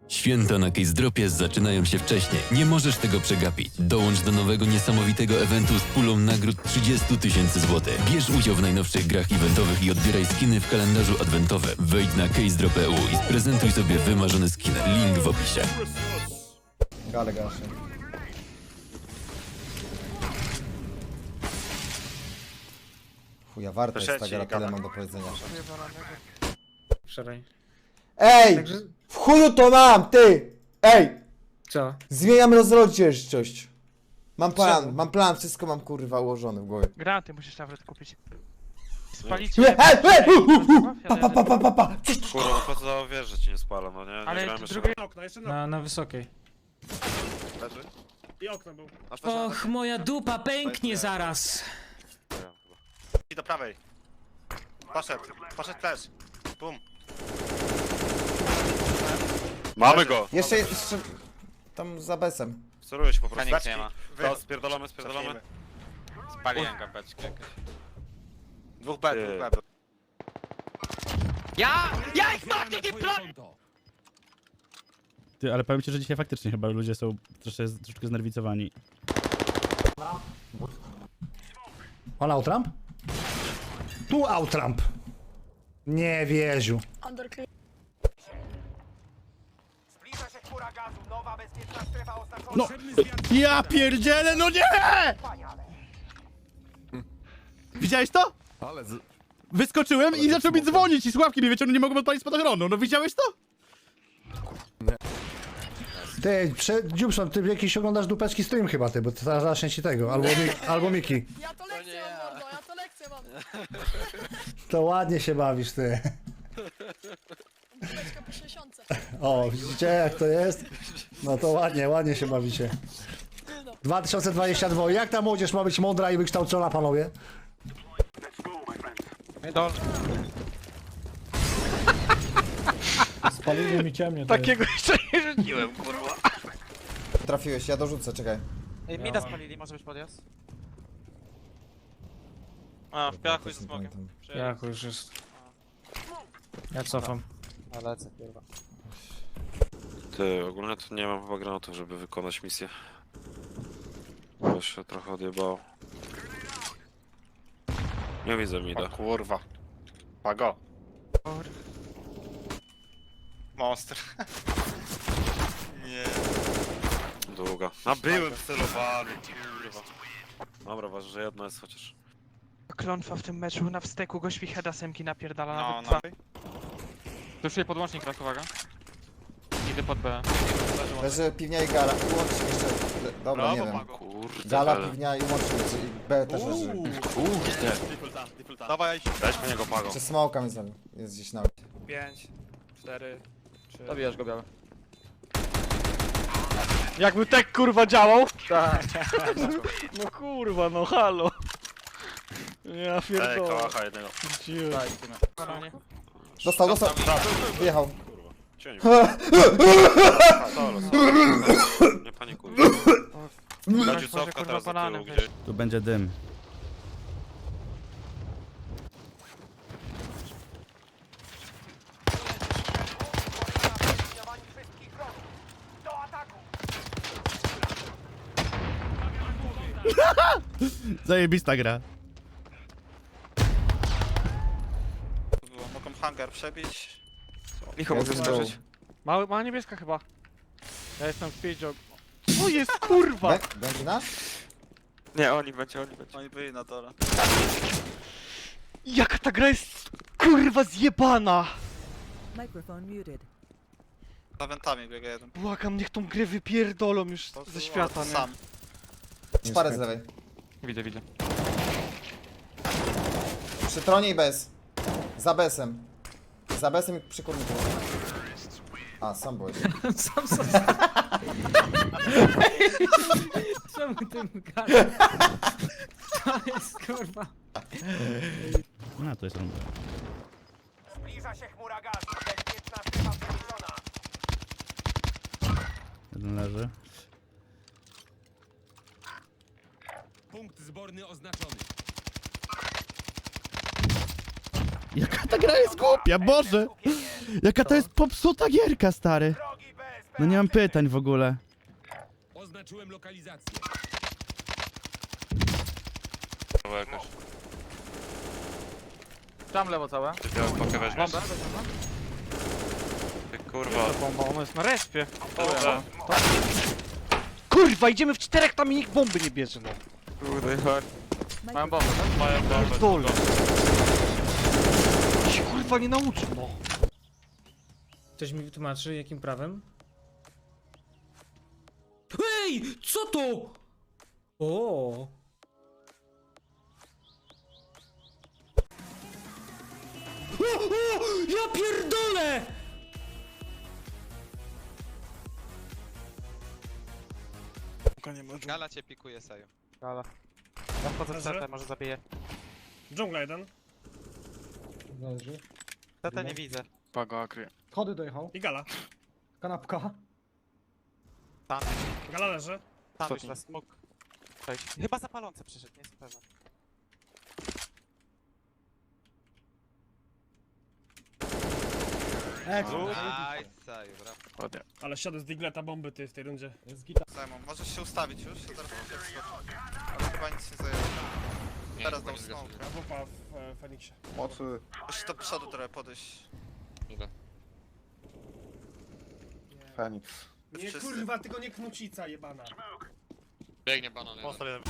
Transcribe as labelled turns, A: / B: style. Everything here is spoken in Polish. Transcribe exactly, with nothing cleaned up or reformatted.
A: Święta na Case Dropie zaczynają się wcześniej. Nie możesz tego przegapić. Dołącz do nowego niesamowitego eventu z pulą nagród trzydzieści tysięcy złotych. Bierz udział w najnowszych grach eventowych i odbieraj skiny w kalendarzu adwentowym. Wejdź na case drop kropka e u i sprezentuj sobie wymarzone skiny. Link w opisie.
B: Gale gaszy. Chuja, warto jest ta gra, tyle mam do powiedzenia.
C: Wczoraj.
B: Ej!
C: Także...
B: W chuju to mam, ty! Ej!
C: Co?
B: Zmieniam rozrodzieszczość. Mam plan, mam plan, wszystko mam kurwa ułożone w głowie.
D: Granaty musisz nawet kupić. Spalić
B: Ej,
D: je.
B: ej, ej, u, u, u, Pa, pa, pa, pa, pa, pa.
E: Kurwa, no po co wiesz, że ci nie spala, no nie? Nie
D: Ale
E: gramy
D: drugie...
F: Okno, jeszcze na...
C: Na, na wysokiej.
E: Leży?
F: I okno był.
E: Masz flasha?
G: Och, moja dupa pęknie zaraz.
E: I do prawej. Poszedł, poszedł flash. Bum. Mamy go!
B: Jeszcze, jeszcze... Tam za besem.
E: Steruję się po prostu.
H: Nic nie ma.
E: To spierdolamy, spierdolamy.
H: Spaliłem gabeczkę jakąś.
E: Dwóch B, dwóch B.
H: Ja! Ja ich macie nie plan!
I: Ty, ale powiem ci, że dzisiaj faktycznie chyba ludzie są troszkę, troszeczkę znerwicowani.
J: On outramp? Tu outramp. Nie wieziu.
I: No! Ja pierdzielę, no nie! Widziałeś to?
A: Ale z...
I: Wyskoczyłem i zaczął mi dzwonić i słuchawki mi wyciągnął, nie mogłem odpalić spadochronu. No widziałeś to?
J: Ty, prze... Dziubson, ty jakiś oglądasz dupeczki stream chyba ty, bo to zacznie ci tego. Albo, mi... Albo Miki.
K: Ja to lekcję mam, mordo, ja to lekcję mam.
J: To ładnie się bawisz ty.
K: Dupeczka po sześćdziesiątce.
J: O, widzicie jak to jest? No to ładnie, ładnie się bawicie. dwa tysiące dwudziesty drugi. Jak ta młodzież ma być mądra i wykształcona, panowie?
D: Dol.
C: Spalili mi ciemnie.
D: Takiego jeszcze nie rzuciłem, kurwa.
B: Trafiłeś, ja dorzucę, czekaj.
D: Ej, mida spalili, może być podjazd? A, w piachu jest smogiem.
C: Jak już jest. Ja cofam.
D: A lecę, kurwa.
E: Ty, ogólnie to nie mam chyba granatów, żeby wykonać misję. Bo się trochę odjebało. Nie widzę mida. O kurwa. Pago. Monster. Nie. Długa. A byłem celowany, kurwa. Dobra, ważne, że jedno jest chociaż.
D: Klątwa w tym meczu, na wsteku go świcheda semki napierdala
H: No,
D: nawet
H: no.
D: dwa. Doszuje podłącznik raz, uwaga. Idę pod B.
B: Leży piwnia i gala. Łącznik jeszcze. Le- Dobra, nie wiem.
E: Kurde.
B: Gala,
E: ale-
B: piwnia i łącznik leży. I B też leży.
E: Kurde. Dawaj, weź po niego Pago.
B: Czy smoka mi zabił? Jest gdzieś na...
D: pięć, cztery, trzy...
C: Zabijasz go białe.
D: Jakby tak kurwa działał? Tak. No kurwa, no halo. Ja
E: Ej,
D: pierdolę.
E: kałacha jednego.
B: Dostał, dostał. Wyjechał.
E: Cień. Solo, solo. Nie panikuj. Będzie cofka teraz do tyłu gdzieś.
I: Tu będzie dym. Zajebista gra.
H: Mogą hangar przebić.
D: Licho
B: Jest
D: mogę
B: z dołu.
D: skoczyć. Mała, mała niebieska chyba. Ja jestem w pięciu. O jest kurwa!
B: Be- Będzie nasz?
D: Nie, oni będzie, oni będzie.
H: Oni byli na dole.
D: Jaka ta gra jest kurwa zjebana!
H: Za wentami biega jeden.
D: Błagam, niech tą grę wypierdolą już ze świata, nie?
H: Sam.
B: Szparę z lewej.
D: Widzę, widzę.
B: Przy tronie i bez. Za besem. Za besem i przy kurniku. A, sam byłeś.
G: Sam sam. Czemu ty gadasz? To jest kurwa.
I: No to jest rąba.
F: Zbliża się chmura gazu. Bezpieczna strefa wyliczona.
I: Jeden leży.
F: Punkt zborny oznaczony.
I: Jaka ta gra jest głupia, Boże! Jaka to jest popsuta gierka, stary!
F: Drogi bez
I: No nie mam pytań w ogóle.
A: Oznaczyłem lokalizację.
E: Chyba jakoś.
D: Tam lewo całe.
E: Ty białą pakę weźmiesz?
D: Bombę, weźmiemy.
E: Ty kurwa.
D: Bomba, on jest na respie. Kurwa, idziemy w czterech, tam i nikt bomby nie bierze, no.
E: Kurde, chodź.
D: Mają bombę, tak?
E: Mają bombę.
D: Pierdolę. Się kurwa nie nauczy, no.
G: Ktoś mi wytłumaczy, jakim prawem? Ej! Co to? O! O, o, ja pierdolę!
H: Gala cię pikuje, Saju.
D: Gala. Ja wchodzę w setę, może zabiję.
F: Dżungla jeden.
J: Leży.
H: Setę nie widzę.
D: Pago akry.
J: Schody dojechał.
F: I gala.
J: Kanapka.
H: Tam,
F: Gala leży.
H: tam już na smok. Cześć. Chyba zapalące przyszedł, nie jestem pewien. Nice, Saju, brawo.
D: Ładnie.
F: Ale siadę z Digleta bomby ty w tej rundzie.
H: Simon, możesz się ustawić już? Ja zaraz muszę wskoczyć. Ale chyba nic nie zajęło. Teraz dał smoke.
F: Wupa w e, Feniksie.
B: Mocy.
H: Musisz do przodu trochę podejść.
B: Feniks.
F: Nie
H: Wszyscy.
F: kurwa, tylko nie knucica jebana.
E: Biegnie banan.
H: Monster jeden.